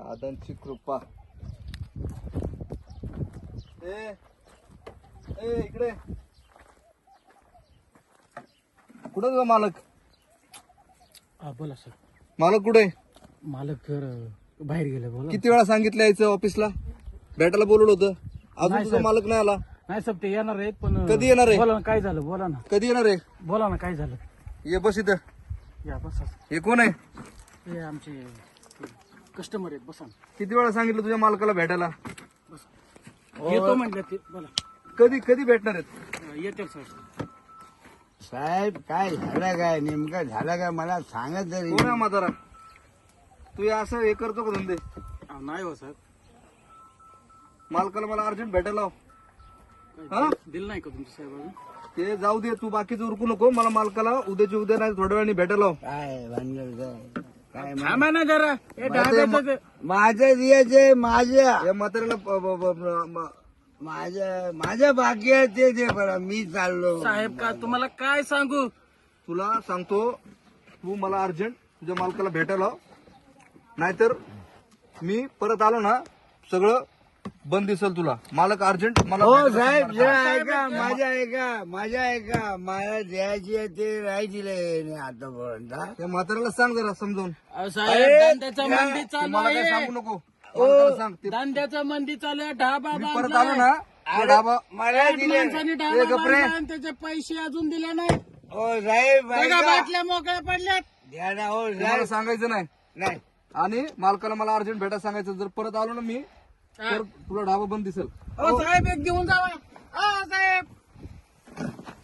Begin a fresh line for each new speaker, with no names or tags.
दादांची कृपा. ए इकडे कुठे तुझा मालक?
हा बोला सर.
मालक कुठे?
मालक बाहेर गेले. बोला.
किती वेळा सांगितलं यायचं ऑफिसला, भेटायला बोलवलं होतं, अजून
नाही
तुझा
साहेब.
मालक नाही आला.
नाही साहेब ते येणार आहेत पण
कधी येणार आहे?
बोला ना काय झालं. बोला ना.
कधी येणार आहे?
बोला ना काय झालं.
ये बस इथं.
या बसा.
हे कोण आहे?
हे आमचे कस्टमर आहेत. बसा ना.
किती वेळा सांगितलं तुझ्या मालकाला भेटायला?
येतो म्हटलं ते. बोला.
कधी कधी भेटणार आहेत?
येतील साहेब.
साहेब काय झालं, काय नेमकं झालं काय मला सांगत तरी.
कोण आहे म्हातारा? तू हे असं हे करतो का धंदे?
नाही हो साहेब.
मालकाला मला अर्जंट भेटायला लाव. हा?
दिल नाही का तुमच्या साहेब अजून?
ते जाऊ दे, तू बाकीचं उरकू नको. मला मालकाला उद्याची उद्या नाही थोड्या वेळाने भेटायला लाव.
काय भानगड काय
थांबा ना जरा. हे डाब्याचं ते-
माझं द्यायचंय, माझ्या
या म्हाताऱ्याला
माझ्या बाकी आहे ते दे बरं. मी चाललो
साहेब का तुम्हाला काय सांगू.
तुला सांगतो, तू मला अर्जंट तुझ्या मालकाला भेटायला लाव, नाहीतर मी परत आलो ना सगळं बंद दिसल तुला. मालक अर्जंट मला
हो
भेटायला
साहेब
सांगणार.
जरा ऐका, माझ्या ऐका मला द्यायची आहे ते नाही दिले आतापर्यंत.
त्या म्हाताऱ्याला सांग जरा समजावून.
अहो, साहेब धंद्याचा मंदी
ते
चालू
मला काय
आहे.
सांगू नको. मालकाला सांग. ते
धंद्याचा मंदी चालू आहे. ढाबा
मी परत
बांधलाय.
आलो ना ते डाबा
मला दिले.
माणसाने
ए,
ढाबा
गप्रे.
बांधलाय आणि त्याचे पैसे अजून दिले नाही.
हो साहेब
बघा
ऐका.
बाटल्या मोकळ्या पडल्यात.
द्या ना हो
ते मला
साहेब.
सांगायचं नाही.
नाही
आणि मालकाला मला अर्जंट भेटायला सांगायचं. जर परत आलो ना मी तर तुला ढाबा बंद दिसेल.
हो साहेब एक घेऊन जावा. हा साहेब